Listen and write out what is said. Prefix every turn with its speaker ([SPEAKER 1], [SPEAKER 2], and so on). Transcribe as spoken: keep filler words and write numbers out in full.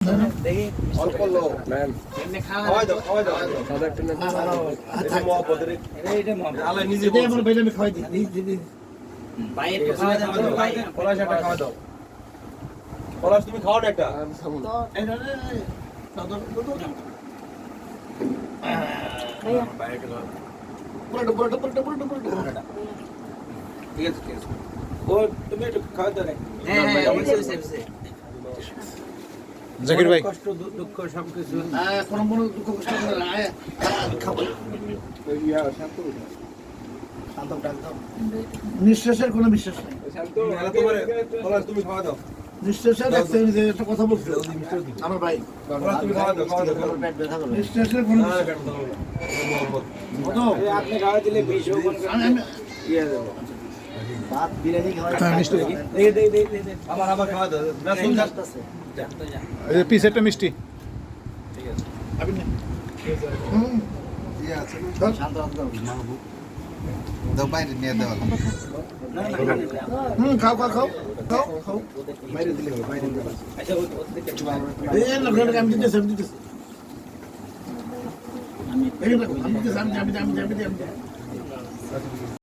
[SPEAKER 1] দেখি
[SPEAKER 2] অল্প লোক
[SPEAKER 3] ম্যাম
[SPEAKER 1] এমনি খাওয়া
[SPEAKER 2] খাওয়াই দাও খাওয়াই দাও
[SPEAKER 3] সাদা একটা নেন
[SPEAKER 2] এটা মহব্বতের
[SPEAKER 1] এটা এটা মহব্বত।
[SPEAKER 2] আল্লাহ নিজে
[SPEAKER 4] এটা আমার বাইরে আমি খাওয়াই দিই দিই দিই
[SPEAKER 1] ভাই একটু খাওয়া দাও তো ভাই
[SPEAKER 2] পলাশ একটা খাওয়া দাও পলাশ তুমি খাও না একটা
[SPEAKER 4] এই না না দাদা দাদা পুরোটা পুরোটা পুরোটা পুরোটা পুরোটা
[SPEAKER 2] ঠিক আছে ঠিক আছে ও তুমি একটু খাওয়া দাও নাকি
[SPEAKER 1] হ্যাঁ হ্যাঁ অবশ্যই অবশ্যই
[SPEAKER 3] জাকির ভাই
[SPEAKER 2] কষ্ট দু- দুঃখ সবকিছু
[SPEAKER 4] আহ কোন মনে দুঃখ কষ্ট করে না আয় খাবো নিঃশ্বাসের কোনো বিশ্বাস নেই
[SPEAKER 2] মেলা তোমারে পলাশ তুমি খাওয়া দাও
[SPEAKER 4] নিঃশ্বাসের একটা যে একটা কথা বলছিল আমার ভাই
[SPEAKER 2] পলাশ তুমি খাওয়া দাও খাওয়া দাও খাওয়া দাও।
[SPEAKER 4] পেট ব্যথা করে নিঃশ্বাসের কোনো
[SPEAKER 2] না, না,
[SPEAKER 4] বিশ্বাস
[SPEAKER 2] কেন দাও না। মহব্বত।
[SPEAKER 4] কত
[SPEAKER 1] আপনি খাওয়া দিলে বিশ ও কোন
[SPEAKER 4] আমি আমি
[SPEAKER 1] ইয়ে দেবো
[SPEAKER 4] ভাত বিরিয়ানি খাওয়াই
[SPEAKER 3] মিষ্টি
[SPEAKER 1] দেখি দেখি দেখি দেখি
[SPEAKER 2] আবার আবার খাওয়া দাও না শুন যা
[SPEAKER 3] এই পিস একটা মিষ্টি
[SPEAKER 4] আমি না হুম
[SPEAKER 1] শান্ত শান্ত
[SPEAKER 5] দাও বাইরে নিয়ে দেওয়া
[SPEAKER 4] হুম খাও খাও খাও খাও খাও
[SPEAKER 2] বাইরে দিলে হবে বাইরে দিলে হবে।
[SPEAKER 1] আচ্ছা ও ও দিকে একটু ভালো
[SPEAKER 4] এই না ঘরে আমি দিতেছি আমি দিতেছি আমি এই না আমি দিতেছি আমি আমি আমি আমি আমি